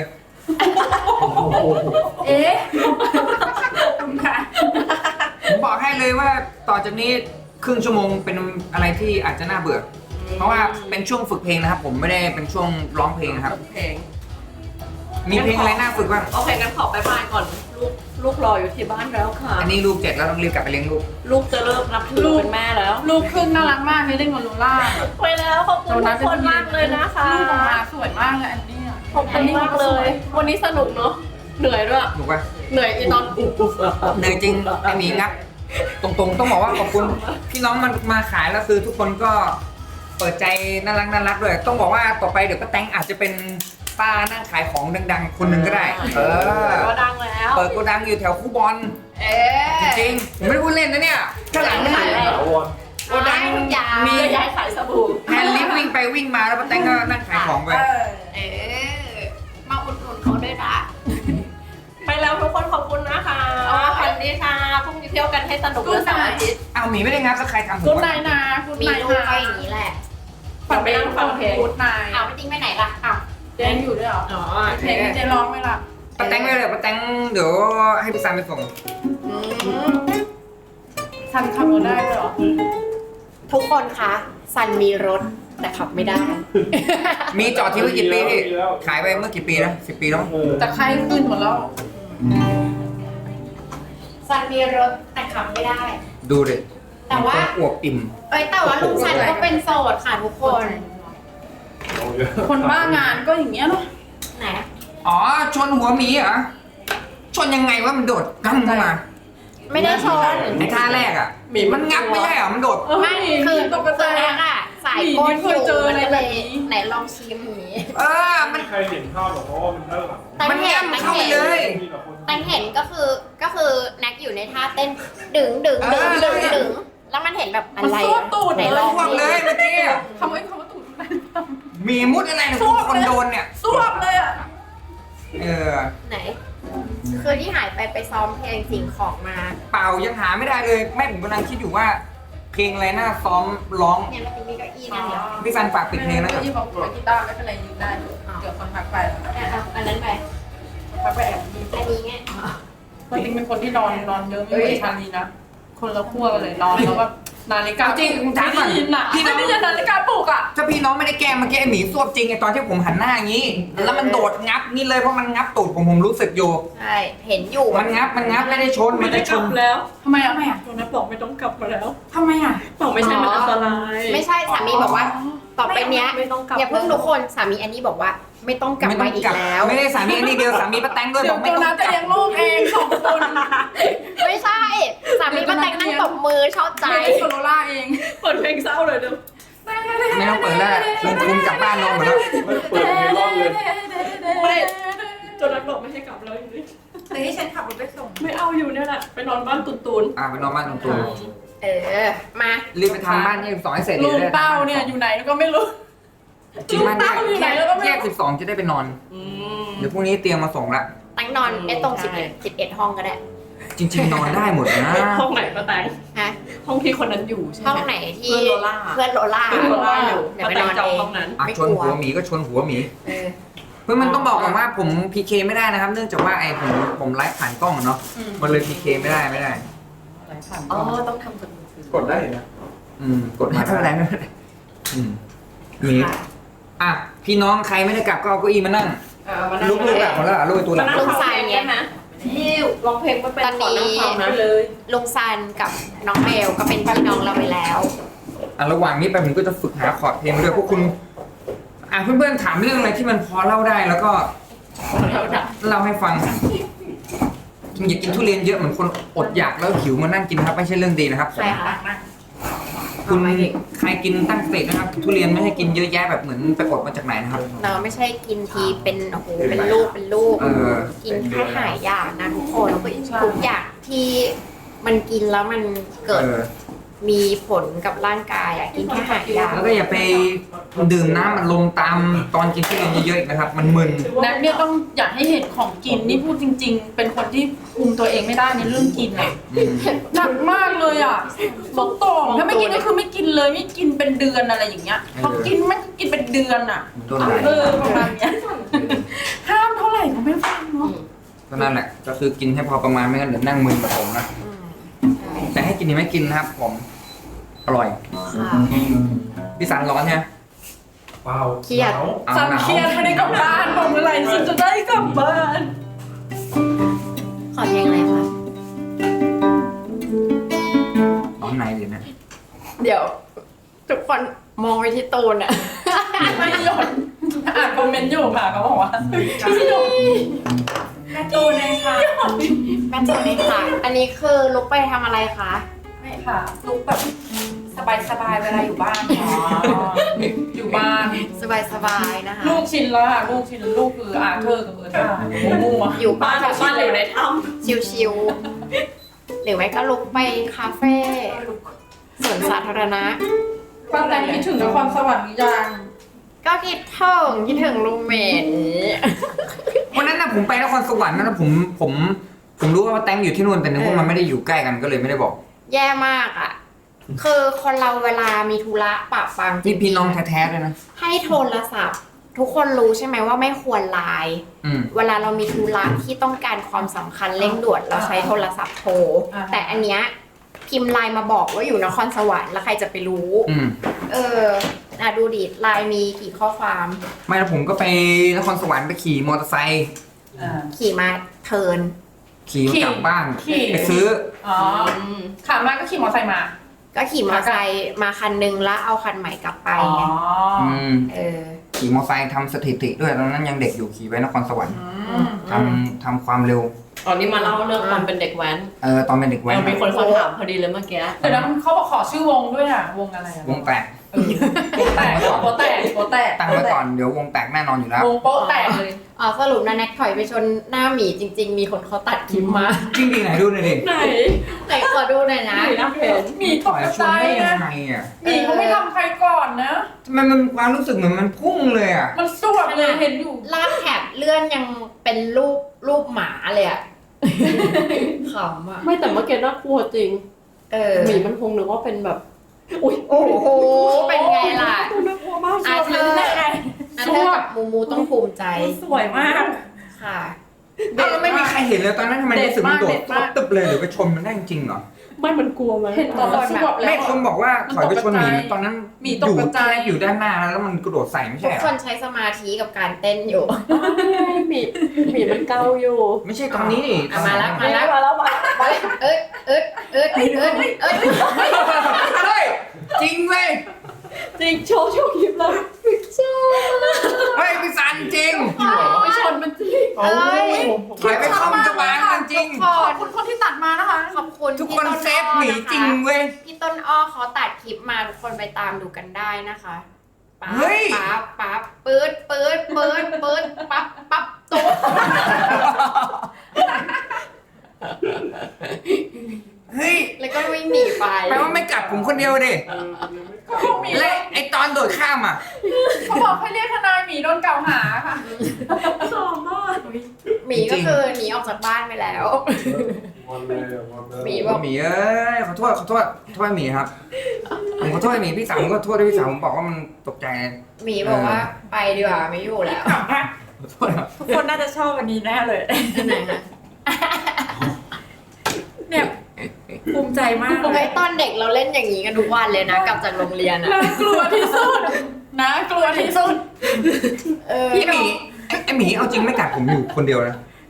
S1: เอ๊ะคุณค่ะ
S7: ผมบอกให้เลยว่าต่อจากนี้ครึ่งชั่วโมงเป็นอะไรที่อาจจะน่าเบื่อ เพราะว่าเป็นช่วงฝึกเพลงนะครับ ผมไม่ได้เป็นช่วงร้องเพลงนะครับ
S4: เพลง
S7: มีเพลงอะไรน่าฝึกบ้าง
S4: โอเคงั้นขอไปบ้านก่อน ลูกลูกรออยู่ที่บ้านแล้วค่ะ
S7: อันนี้ลูกเจ็ดแล้วต้องรีบกลับไปเลี้ยงลูก
S4: ลูกจะเริ่มนับถือเป็นแม่แล้ว
S1: ลูกครึ่งน่ารักมากนี่เล่นกับลูล่า
S4: ไปแล้วขอบคุณทุกคนมากเลยนะคะ
S1: ลูกออกมาสวยมากเลยอันนี้อะ
S4: ขอบคุณมากเลย วันนี้สนุกเนาะ เหนื่อยด้วย
S7: ถูกปะ
S4: เหนื่อยอีตอนอุ๊บอุ๊บอ่ะ
S7: เหนื่อยจริงไอหมีงับ ตรงๆ ต้องบอกว่าขอบคุณพี่น้องมันมาขายแล้วคือทุกคนก็เปิดใจน่ารักน่ารักด้วย ต้องบอกว่าต่อไปเดี๋ยวป้าแตงอาจจะเป็นป้านั่งขายของดังๆ คนหนึ่งก็ได้ เออ
S4: ก็ดังแล้ว
S7: เปิดโกดังอยู่แถวคูบอล
S4: เอ๊
S7: จริงๆผมไม่ได้พูดเล่นนะเนี่ยข้างหลังมันโกดังมี
S4: จะย้ายขายสบู่
S7: แฮนด์ลิฟต์วิ่งไปวิ่งมาแล้วป้าแตงก็นั่งขายของไป
S2: เอ๊ะมาอุดหนุนเขาด้วยนะ
S4: ไปแล้วทุกคนขอบคุณนะคะสวัสดีค่ะพรุ่งนี้เที่ยวกันให้สนุกวันเสาร์อาทิตย์
S7: เอาหมีไม่ได้งับแล้วใครทำผม
S1: กูด
S7: วะ
S1: ไนท์นะกูด
S2: มี
S1: ไนท์
S2: ลูก
S1: นะ
S2: ก็อย่างนี้แหละ
S1: ฝั่งไปนั่งฟังเพลงกูดไนท์
S2: อ้าวไม่จริงไปไหนล่ะ
S1: อ้าวเจนอยู่ด้วยเหรอ
S4: อ๋อ
S1: เพลงที่เจนร้องไหมล่ะ
S7: ป้าแตงไม่เลยป้าแตงเดี๋ยวให้พี่ซันไปส่ง
S1: ทันขับรถได้ด้วยเหรอ
S2: ทุกคนคะซันมีรถแต่ขับไม่ได้
S7: มีจอดทิ้งไว้กี่ปีพี่ขายไปเมื่อกี่ปีนะสิบปีแล้วมั้ง
S1: แต่ไข้ขึ้นหมดแล้ว
S2: ซันมีรถแต่ขับไม่ได้
S7: ดูดิ
S2: แต่ว่า
S7: มันอวบอิ่ม
S2: เอ้ยแต่ว่าลุงซันก็เป็นโสดค่ะทุกคน
S1: คนบ้างานก็อย่างเงี้ยเนาะ
S2: ไหน
S7: อ๋อชนหัวหมีเหรอชนยังไงว่ามันโดดกั้มเข้ามา
S2: ไม่ได้ชน
S7: ในท่าแรกอ่ะมันงับไม่ใช่เหรอมันโดด
S2: ไม่คือ
S1: ตกใจ
S2: คือแรกอะสายก้นอยู่
S1: เจออะไร
S2: มันก็
S1: แบ
S2: เล
S1: บ
S2: ย
S1: นี้
S2: ไหนลองชิมหมี
S7: เออมัน
S8: ใครเห็นภาพหรอกเพราะว่ามันด้านหลัง
S2: แต่
S7: มัน
S2: เห็น
S7: งับ
S2: แต่
S7: เข้าไป
S2: เห็น
S7: เลย
S8: มีแต่คน
S2: แต่เห็นก็คือก็คือแน็กอยู่ในท่าเต้นดึงดึงดึงดึงดึงแล้วมันเห็นแบบอะไร
S1: มันซ่วมตูด
S2: ไหน
S1: เลย
S2: ลอง
S7: พวกเลยเมื่อกี้
S1: คำว่าคำว่าตูดมัน
S7: มีมุดอะไรเนี่ยคนโดนเนี่ย
S1: ซ่วมเลยอ่ะ
S7: เออ
S2: ไหน คือที่หายไปไปซ้อมเพลงสิ่งของมา
S7: เปล่ายังหาไม่ได้เลยแม่ผมกำลังคิดอยู่ว่า เพลงอะไรน่าซ้อมร้อง
S2: เนี่ยมันมีเก้าอี้นั่นเดียว
S7: พี่ซันฝากปิดเพลงนะครับ
S1: ที่บอกว่ากีตาร์ไม่เป็นไรยืนได้เดี๋ยวคนพักไปแล้ว
S2: เนี่ยเอาอันนั้นไป
S1: พักไปแอบยืน
S2: อันนี้ไง
S1: จริงเป็นคนที่นอนนอนเยอะไม่เหมือนชาลีนะ คนละขั้วกันเลยนอนแล้วแบบนาฬิกา
S7: จริงถามก่อน
S1: ไม่ได้ยินอ่ะพี่ไม่ได้ยินนาฬิกาปลุกอ่ะ
S7: ถ้าพี่น้องไม่ได้แกล้งเมื่อกี้ไอ้หมีสวบจริงไอตอนที่ผมหันหน้าอย่างนี้ แล้วมันโดดงับนี่เลยเพราะมันงับตูดผมผมรู้สึกอยู่
S2: ใช่เห็นอยู่
S7: มันงับมันงับไม่ได้ชน
S4: ไม่
S7: มัน
S4: ได้
S7: จะ
S4: ก
S7: ช
S4: ลั
S7: น
S4: บแล้ว
S1: ทำไมอ่ะทำไมอ่ะ
S4: ตัวนั้นบอกไม่ต้องกลับมาแล้ว
S1: ทำไมอ่ะ
S4: บอกไม่ใช่มันอันตราย
S2: ไม่ใช่สามีบอกว่า ต่อไปเนี้ย
S4: ไม่ต้องกลับ
S2: อย่าเพิ่งทุกคนสามีอันนี้บอกว่า ไม่ต้องกลับมาอีกแล้ว
S7: ไม่ได้สามีอันนี้เดียวสามีป้าแตงด้วย
S1: เดี๋
S7: บ
S1: ย
S7: อ
S1: ว
S7: กไม่
S1: ตัว
S7: ต้อง
S1: นั้น
S7: ก
S1: จะ
S7: ลับ
S1: เลี้ยงลูกเองสองคน
S2: ไม่ใช่สามีป้าแตงนั่งตบมือชอบใจ
S1: ไม่ได้โซโลล่าเอง
S4: เปิดเพลงเศร้าเลยเดี๋ยว
S7: ไม่ต้องเปิดแล้วคุณคุณกลับบ้านนอนหมดแล้ว
S8: ไม่เปิดเมลอนเลย
S4: ไม่จนนั้นบอกไม่ให้กลับแล้วอยู่นี่
S1: แต่ที่ฉันขับรถไปส่ง
S4: ไม่เอาอยู่เนี่ยแหละไปนอนบ้านตุนตุน
S7: อ่าไปนอนบ้านตรงตู
S2: เออ มา
S7: รีบไปทำบ้านยี่สิบสองให้เสร็จ
S1: ลุง
S7: เลย
S1: เต้าเนี่ยอยู่ไหนก็ไม่รู้
S7: จริงบ้านแยก
S1: ลุงเต้าอยู่ไหนแล้วก็ไม่รู้
S7: แยกสิบสองจะได้ไปนอน
S4: อืม
S7: เดี๋ยวพรุ่งนี้เตรียมมาส่งละ
S2: ตั้งนอนไอ้ตรงสิบเอ็ดสิบเอ็ดห้องก็ได้
S7: จริง ๆ นอนได้หมดนะ
S4: ห้องไหนป้าแตง
S2: ฮะ
S4: ห้องที่คนนั้นอยู่ใช่ไหม
S2: ห้องไหนที่
S4: เพื่อนโลล่า
S2: เพื่อนโลล่า
S4: เพื่อนโลล่าอยู่
S2: เดี๋ยว
S4: ป้า
S2: ไป
S4: แต
S2: น
S4: ง
S2: อน
S4: จอง
S2: เอง
S4: ห้องนั้น
S7: อ่ะ
S2: ไม่
S7: ช
S2: ก
S7: น
S2: ลัว
S7: หัวหมีก็ชนหัวหมี
S2: เออ
S7: เพื่อนมันต้องบอกก่อนว่าผมพีเคไม่ได้นะครับ เนื่องจากว่าไอ้ผมผมไลฟ์ผ่านกล้องอะเนาะมันเลยพีเคไม่ได้ไม่ได้
S4: อ๋อต้องทำกับมือถือก
S8: ดได้นะ
S7: อืมกดมาไม่เป็นไรไม่เป็นไรอืมหมีอ่ะพี่น้องใครไม่ได้กลับก็เอาเก้าอี้มานั่ง
S4: เออมานั่ง
S7: ลูกๆกลับหมดแล้วเหรอลูกไอ้ตัวหลัง
S2: ลุงใส่เนี่ย
S4: นะ
S2: ฮิว
S4: ร้องเพลงไม่เป็น
S2: ตอน
S4: ขอ
S2: นี้
S4: นั่งฟังนะ
S1: เลย
S2: ลุงซันกับน้องเบลก็เป็นพี่น้องเราไปแล้ว
S7: อ่ะระหว่างนี้ไปผมก็จะฝึกหาคอร์ดเพลงด้วยพวกคุณอ่ะเพื่อนๆถามเรื่องอะไรที่มันพอเล่าได้แล้วก็เล่าให้ฟังอย่ากินทุเรียนเยอะเหมือนคนอดอยากแล้วหิวมานั่งกินครับไม่ใช่เรื่องดีนะครับ
S2: ใครคะ
S7: คุณใครกินตั้งสตินะครับทุเรียนไม่ให้กินเยอะแยะแบบเหมือนไปอดมาจากไหนนะครับ
S2: เราไม่ใช่กินทีเป็นโอ้โหเป็นลูกเป็นลูก
S7: เออ
S2: กินแค่หายอยากนะทุกคนทุกอย่างที่มันกินแล้วมันเกิด
S7: เออ
S2: มีผลกับร่างกายอะกินแค่หายอยาก
S7: แล้วก็อย่าไปดื่มน้ำมันลมตามตอนกินทุเรียนเยอะๆอีกนะครับ มันมึน
S1: นัทเนี่ยต้องอยากให้เห็นของกินนี่พูดจริง ๆ เป็นคนที่คุมตัวเองไม่ได้ในเรื่องกินอ่ะ
S7: อืม
S1: หนักมากเลยอ่ะสุดโต่งถ้าไม่กินก็คือไม่กินเลยไม่กินเป็นเดือนอะไรอย่างเงี้ยพอกินมันก็กินเป็นเดือนอ่ะ
S7: โดนไหล
S1: เออประมาณเนี้ยห้ามเท่าไหร่ก็ไม่ฟังเนาะ
S7: ก็นั่นแหละก็คือกินให้พอประมาณไม่งั้นเดี๋ยวนั่งมึนกับผมนะ
S2: อืม
S7: แต่ให้กินนี่ไม่กินนะครับผมอร่อย
S2: ค่ะ
S7: พี่สันร้อนใช่ไหม
S8: เปล่า
S2: เครียด
S8: หนาว
S7: เอา
S1: สัน
S7: หนาว
S1: เครียดไม่ได้กลับบ้านบอกเมื่อไหร่ฉันจะได้กลับบ้าน
S2: ขอเพลงอะไรคะ
S7: ร้อนในเลยนะ
S2: เดี๋ยว ทุกคนมองไปที่ตูนอะ
S1: ไม่หยดอ่านคอมเมนต์อยู่ค่ะเขาบอกว่าไม่หยด
S5: แม่ตูนเลยค่ะ
S2: แม่ตูนเลยค่ะ อันนี้คือลุกไปทำอะไรคะ
S5: ไม่ค่ะลุกแบบสบายสบายๆเวลาอยู่บ้าน
S1: อ๋ออยู่บ้าน
S2: สบายๆนะคะ
S1: ลูกชินแล้วค่ะลูกชินลูกคืออาเธอร์กับเออร์ธามูมูอะ
S2: อยู่บ้าน
S4: บ้านอยู่ในถ้
S2: ชิวๆหรือไม่ก็ลุกไปคาเฟ่สวนสาธารณะ
S1: ป้าแตงคิดถึงนครสวรรค์หรือยัง
S2: ก็คิดถึงคิดถึงรูมเมท
S7: วันนั้นนะผมไปนครสวรรค์นะผมผมผมรู้ว่าแตงอยู่ที่นู่นแต่นึกว่ามันไม่ได้อยู่ใกล้กันก็เลยไม่ได้บอก
S2: แย่มากอ่ะ คือคนเราเวลามีธุระปะปัง
S7: นี่พี่น้องแท้ๆเลยนะ
S2: ให้โทรศัพท์ ทุกคนรู้ใช่ไหมว่าไม่ควรไลน์
S7: อืม
S2: เวลาเรามีธุระที่ต้องการความสำคัญเร่งด่วนเราใช้โทรศัพท์โทร แต่อันเนี้ยพิมพ์ไลน์มาบอกว่าอยู่นครสวรรค์แล้วใครจะไปรู้
S7: อืม
S2: เออน่ะดูดิไลน์มีกี่ข้อความ
S7: ไม่แล้วผมก็ไปนครสวรรค์ไปขี่มอเตอร์ไซค์
S1: อ่า
S2: ขี่มาเทิร์น
S7: ขี่มากลับบ้าน
S1: ขี่
S7: ไปซื้อ
S1: อ๋อขามาก็ขี่มอเตอร์ไซค์มา
S2: ก็ขี่มอเตอร์ไซค์มาคันนึงแล้วเอาคันใหม่กลับไป
S1: อ๋อ
S2: ไง
S7: อืม
S2: เออ
S7: ขี่มอเตอร์ไซค์ทำสถิติด้วยตอนนั้นยังเด็กอยู่ขี่ไปนครสวรรค์
S1: อืม
S7: ทำทำความเร็ว
S4: ำตอนนี้มาเล่าเรื่องตอนเป็นเด็กแว้น
S7: เออตอนเป็นเด็กแว้น
S4: เรามีคนเขาถามพอดีเลยเมื่อกี้
S1: เดี๋ยวนะเขาบอกขอชื่อวงด้วยอ่ะ วงอะไรอ่ะ
S7: วงแตก
S1: เออโป๊ะแตกโป๊ะแตกโป๊ะแตก
S7: ตั้งไว้ก่อนเดี๋ยววงแตกแน่นอนอยู่แล้ว
S1: วงโป๊ะแตกเลย
S2: อ๋อสรุปนะแน็กถอยไปชนหน้าหมีจริง ๆ มีคนเขาตัดคลิปมา
S7: จริงดีไหนดูหน่อยดิ
S4: ไหน
S2: ไหนขอดูหน่อยนะ
S4: ไหนนะเห็น
S1: มีต
S7: ต่
S1: ก
S7: อยช
S1: ใจ
S7: นได้ยั
S1: นะ
S7: งไงอ่ะ
S1: มีเขาไม่ทำใครก่อนนะ
S7: ทำไมมันความรู้สึกเหมือนมันพุ่งเลยอ่ะ
S1: มันสวบเลยเห็นอยู่
S2: ลากแถบเลื่อนยังเป็นรูปรูปหมาเลยอะขำอะ
S4: ไม่แต่เมื่อกี้น่ากลัวจริง
S2: เออ
S4: หมีมันคงนึกว่าเป็นแบบ อุ้ย
S2: โอ้โห เป็นไงล่ะ
S4: ตัวน่ากลัวมาก
S2: อาเธอร์อาเธอร์กับมูมูต้องภูมิใจ
S5: สวยมาก
S2: ค่ะ
S7: เอ้าแล้วไม่มีใครเห็นเลยตอนนั้นทำไมรู้สึกมันโดด
S1: เด็ดมาก
S7: ตึบเลยหรือไปชนมันได้จริงเหรอ
S4: ไม่มันกลัวไหม
S1: เห็นตอนมันสวบแล้ว
S7: ไม่คนบอกว่าถอยไปชนหมี
S1: มันตกกระจาย
S7: ตอนนั้น
S1: หมีตก
S7: อยู่
S1: กระจาย
S7: อยู่ด้านหน้าแล้วมันกระโดดใส่ไม่
S2: ทุ
S7: ใช่
S2: ก
S7: เหร
S2: ค
S7: อน
S2: ใช้สมาธิกับการเต้นอยู่
S4: หมีหมีมันเกาอยู่
S7: ไม่ใช่ตอนนี้นี่
S2: อ่ะมาแล้ว
S4: มาแล้วมาแล้วมาแล้ว
S2: เอ้ยเอ้ยเอ้ยเอ้ยเอ้ยเอ้ย
S7: เฮ้ยจริงเว้ย
S4: จริงโชว์โชว์คลิปแล้ว
S7: เฮ้ยพี่สันจริง
S1: ไปชนมันจริง
S2: เอ้ย
S7: ถอยไปคอมจะวางมันจริง
S2: ทุก
S1: ข
S2: ค
S1: อบ
S2: น
S1: คุณคนที่ตัดมานะคะ
S2: ขอบคุณ
S7: ทุก
S2: พี่
S7: คน
S2: ต้
S7: เซฟหมี
S2: อ้อนะคะ
S7: จริงเว้ย
S2: พี่ต้นอ้อเขาตัดคลิปมาทุกคนไปตามดูกันได้นะคะปั๊บ
S7: เฮ้ย
S2: ปั๊บปั๊บปื๊ดปื๊ดปื๊ดปื๊ดปั๊บปั๊บตุ๊บ
S7: เฮ้ย
S2: แล้วก็วิ่งหนีไป
S7: แปลว่าไม่กลับผมคนเดียวดิ
S1: เขาบอกหมี
S7: และไอตอนโดดข้ามอ่ะ
S1: เขาบอกให้เรียกทนายหมีโดนกล่าวหาค่ะ
S2: หมีก็คือหนีออกจากบ้านไปแล้ว
S8: วันเลยอะวันเลย
S2: หมีบอก
S7: หมีเอ้ยขอโทษขอโทษขอโทษหมีครับผมขอโทษหมีพี่สาวผมก็โทษด้วยพี่สาวผมบอกว่ามันตกใจ
S2: หมีบอกว่าไปดีกว่าไม่อยู่แล้ว
S7: ขอโทษครับ
S5: ทุกคนน่าจะชอบวันนี้แน่เลย
S2: ที่ไหนคะ
S5: เนี่ยภูมิใจมากเล
S2: ไอ้
S5: ย
S2: ตอนเด็กเราเล่นอย่างนี้กันทุกวันเลยนะกลับจากโรงเรียนอะ
S1: น่ากลัวที่สุดนะกลัวที่สุด
S2: เออ
S7: พี่หมีไอ้ไอหมีเอาจริงไม่กัดผมอยู่คนเดียวนะ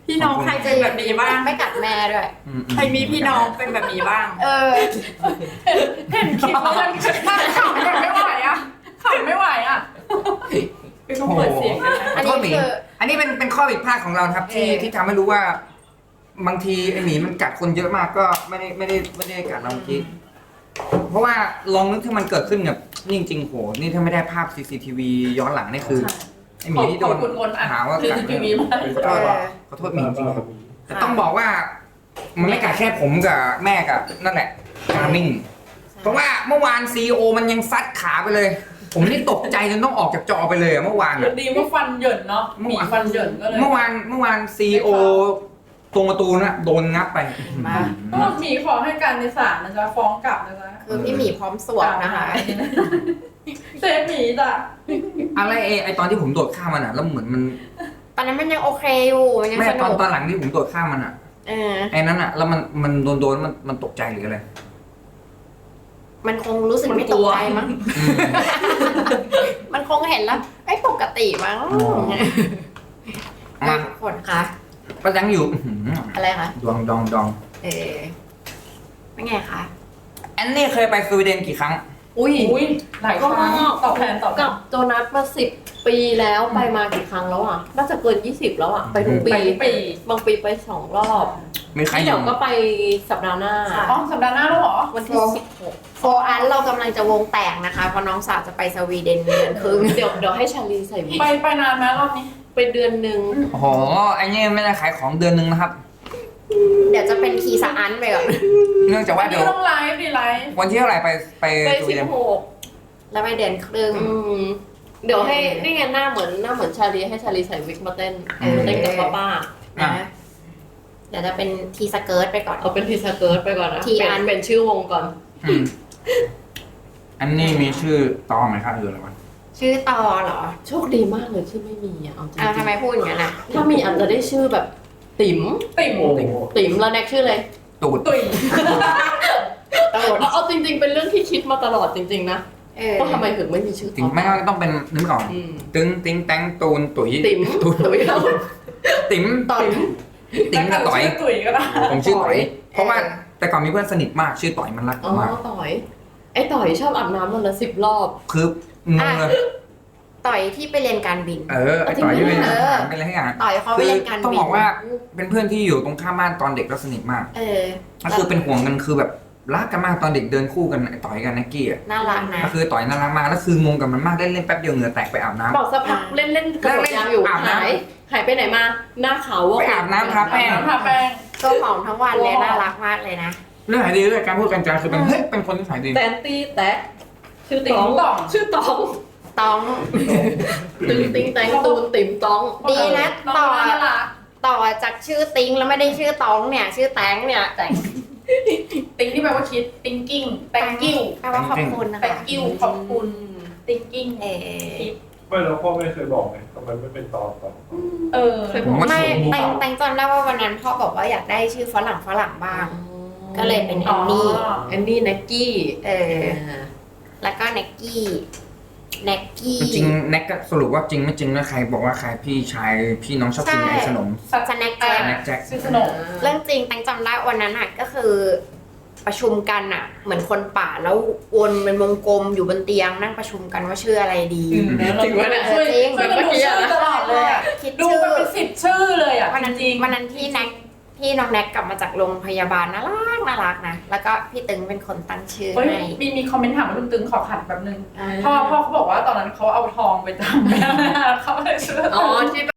S5: พี่น้องใครเป็นแบบนี้บ้าง
S2: ไม่กัดแม่ด้วย
S7: อืม
S5: ใครมีพี่น้องเป็นแบบนี้บ้าง
S2: เออ
S1: เห็นคลิปแล้วยังขำแบบไม่ไหวอ่ะขำไม่ไหวอ่ะไปต้องเปิดเสียงกันนะ
S2: อัน
S7: ข
S2: นี้
S7: โทษหมี
S2: คือ
S7: อันนี้เป็นเป็นข้อผิดพลาดของเรานะครับ ที่
S2: เออ
S7: ที่ทำให้รู้ว่า บางทีไอหมีมันกัดคนเยอะมากก็ไม่ได้ไม่ได้ไม่ได้กัดเราเมื่อกี้เพราะว่าลองนึกถ้ามันเกิดขึ้นกับนี่จริงๆโหนี่ถ้าไม่ได้ภาพ ซี ซี ที วี ย้อนหลังนี่คือไอหมีที่โดน
S1: ขอบคุณคนอ่ะ
S7: หาว่า
S1: คือ
S7: กัด
S1: ทีวีมา
S7: ขอโทษขอโทษหมีจริงๆแต่ต้องบอกว่า มันไม่กัดแค่ผมกับแม่กับนั่นแหละกามิ่งเพราะว่าเมื่อวานซีโอมันยังซัดขาไปเลย ผมนี่ตกใจจนต้องออกจากจอไปเลยอะเมื่อวานอะ
S1: ดีว่าฟันเหยินเนาะหมีฟันเหยินก็เลย
S7: เมื่อวานเมื่อวานซีโอตรงประตูน่ะโดนงับไป
S2: มา
S1: ก็หมีขอให้การในศาลนะจ๊ะฟ้องกลับนะจ๊ะ
S2: คือพี่หมีพร้อมสวมนะคะ
S1: เซฟหมีจ้ะ
S7: อะไรเอไอตอนที่ผมโดดข้ามมันอ่ะแล้วเหมือนมัน
S2: ตอนนั้นมันยังโอเคอยู่มันยัง
S7: แม่
S2: ส
S7: ตอน
S2: นุก
S7: ตอนหลังที่ผมโดดข้ามมันอ่ะ
S2: เออ
S7: ไอ้นั้นอ่ะแล้วมันมันโดนโดนมันมันตกใจหรืออะไร
S2: มันคงรู้สึกไม่ตกใจมั้ง
S7: อืม
S2: มันคงเห็นแล้วไม่ปกติมั้ง
S7: มา
S2: ทุกคนคะ
S7: ประจังอยู่อื้อหือ
S2: อะไรคะ
S7: ดวงดองดอง
S2: เออเป็นไงคะ
S7: แอนนี่เคยไปสวีเดนกี่ครั้ง
S4: อุ้ย
S1: อุ้ยหลายครั้งตอบแทนตอบแท
S4: กับ
S1: น
S4: โจนัสมาสิบปีแล้วไปมากี่ครั้งแล้วอ่ะน่าจะเกินยี่สิบแล้วอ่ะไปทุกปี
S1: ไปทุกปี
S4: บางปีไปสองรอบ
S7: มีใครอ
S4: เดี๋ย
S7: ยู่
S4: วก็ไปสัปดาห์หน้า
S1: อ๋อสัปดาห์หน้าแล้วเหรอ
S4: วันที่สิบหก
S2: โฟอันเรากำลังจะวงแตกนะคะเพราะน้องสาวจะไปสวีเดนเดือนครึ่ง
S4: เดี๋ยวเดี๋ยวให้ชาลีใส่วิก
S1: ไปไปนานไหมรอบนี้
S4: ไปเดือนหนึ่ง
S7: โอ้โหไอ้นี่ไม่ได้ขายของเดือนหนึงนะครับ
S2: เดี๋ยวจะเป็นทีสะอันไปก่อน
S7: เนื่องจาก
S1: วั
S7: ว่าน เดี๋
S1: นี้
S7: ยว
S1: ต้องไลฟ์ดีไลฟ์
S7: วันที่เท่าไหร่ไปไป
S4: ไป
S7: สวี
S4: สิ
S7: เด
S4: บ
S7: น
S4: หก
S2: แล้วไปเดือนครึ่ง
S4: อืมเดี๋ยวให้นี่ไงหน้าเหมือนหน้าเหมือนชาลีให้ชาลีใส่วิกมาเต้น
S2: เออ
S4: เต้นกับป้าป้า
S2: นะเดี๋ยวจะเป็นทีสเกิร์ตไปก่อน
S4: เอาเป็นทีสเกิร์ตไปก่อนนะ
S2: ทีอัน
S4: เป็นเป็นชื่อวงก่อน
S7: อืมอันนี้มีชื่อตองไหมครับหรืออะไรวะ
S2: ชื่อตอเหรอ
S4: โชคดีมากเลยที่ไม่มีอ่ะเอาจริง
S2: อ้าวทำไมพูดอย่างนั้นอ่ะ
S4: ๆถ้ามีอาจจะได้ชื่อแบบ ติ๋ม
S1: ติ่ม
S4: ติ๋มแล้วแน็กชื่ออะไร
S7: ตูด
S1: ตุย
S2: ตลอด
S4: เอาเอาจริง ๆ เป็นเรื่องที่คิดมาตลอดจริงๆนะ
S2: เออ
S4: ว่าทำไมถึงไม่มีชื่อ
S7: ถึงไม่ก็ต้องเป็นนึกไม่ออก
S4: อืม
S7: ตึงติ้งแตงตูนตุ๋ย
S4: ติ๋ม
S7: ตูน
S4: ตุ๋ยเรา
S7: ติ๋ม
S4: ต่อย
S7: ติ๋มกับต่อย
S1: ชื่ตุยก็ได้
S7: ผมชื่อต่อย
S4: ต่อย
S7: เพราะว่าแต่ก่อนมีเพื่อนสนิทมากชื่อต่อยมันรักผ
S4: อ๋อ
S7: มมาก
S4: ต่อย ไอ้ต่อยชอบอาบน้ำวันละสิบรอบ
S7: คืองงเลย
S2: ต่อยที่ไปเรียนการบิน
S7: เออไอต่อยที่เป็น
S2: เออ
S7: เป็นอะไรให้อย่าง
S2: ต่อยเขาไป
S7: คือ
S2: เรียนการ
S7: ต้อง
S2: บิน
S7: บอกว่าเป็นเพื่อนที่อยู่ตรงข้ามบ้านตอนเด็กแล้วสนิทมาก
S2: เออ
S7: ก็คือเป็นห่วงกันคือแบบรักกันมากตอนเด็กเดินคู่กันไอต่อยกันนักกี้อ่ะ
S2: น่ารักนะ
S7: ก็คือต่อยน่ารักมากแล้วคืองงกับมันมากได้เล่นแป๊บเดียวเหงื่อแตกไปอาบน้ำ
S4: บอกสักพักเล่นเล่นๆกระโดดยางอยู่
S7: อาบน้ำ
S4: หายหายไปไหนมา หน้าขาวว่ะ
S7: ไปอาบน้ำทาแป้ง
S1: น้ำทาแป้ง
S2: ตัวหอมทั้งวันเลยน่ารักมากเลยนะ
S7: เรื่องไหนดีเรื่องการพูดกันจาคือเป็นเฮ้ยเป็นคนที่ถ่ายดี
S4: แตนตี้แตะชื่อ
S1: ติ๋
S4: ต
S1: ม
S4: อง
S1: ต่อง
S4: ชื่อตอง
S2: ต้อง
S4: ตึงติงแตงตูนติ๋มตอง
S2: ดีนะ
S1: น้อง
S2: ต่อ
S1: น่ารัก
S2: ต่อจากชื่อติงแล้วไม่ได้ชื่อตองเนี่ย ชื่อแตงเนี่ยแตง
S1: ติ้งที่แปลว่าคิด thinking thank you
S2: แปลว่าขอบคุณนะคะ
S1: thank you ขอบคุณ thinking
S2: เออ
S8: ไม่แล้วพ่อไม่เคยบอกไงทำไมไม่เป็นตอนต่อ
S1: เออ
S7: ผมว่า
S2: ไม่
S7: ถูก
S2: แตงแตงจำได้ว่าวันนั้นพ่อบอกว่าอยากได้ชื่อฝรั่งฝรั่งบ้าง ก็เลยเป็นแอนนี่
S4: แอนนี่แน็กกี้
S2: เออ แล้วก็เน็กกี้เน็กกี้
S7: จริงๆแน็กก็สรุปว่าจริงไม่จริงนะใครบอกว่าใครพี่ชายพี่น้องชอบกิน
S2: ใช่
S7: ไอ้ขนม
S2: สแน็คแจ็ค
S7: แน็กแจ็ค
S1: ชื่อสนม
S2: เรื่องจริงแตงจำได้วันนั้นอ่ะก็คือประชุมกันอ่ะ เหมือนคนป่าแล้ววนเป็นวงกลมอยู่บนเตียงนั่งประชุมกันว่าชื่ออะไรดี
S1: จริงวะเนี่ยช่วย
S2: จริง
S1: ช่วยกันดูชื่อตลอดเลยอะ
S2: คิด
S1: ดู
S2: ชื่อ
S1: มันเป็นสิบชื่อเลยอ่ะ
S2: วันนั้น
S1: จริงๆ
S2: วันนั้นที่แน็กที่น้องแน็กกลับมาจากโรงพยาบาลน่ารักน่ารักนะแล้วก็พี่ตึงเป็นคนตั้งชื่อ
S1: เฮ้ย
S2: ให้
S1: มีมีคอมเมนต์ถามว่าลุงตึงขอขัดแบบนึง
S2: อ่า
S1: พ่อพ่อเขาบอกว่าตอนนั้นเขาเอาทองไปจำ เขาเลยชื่อ
S4: อ๋อที่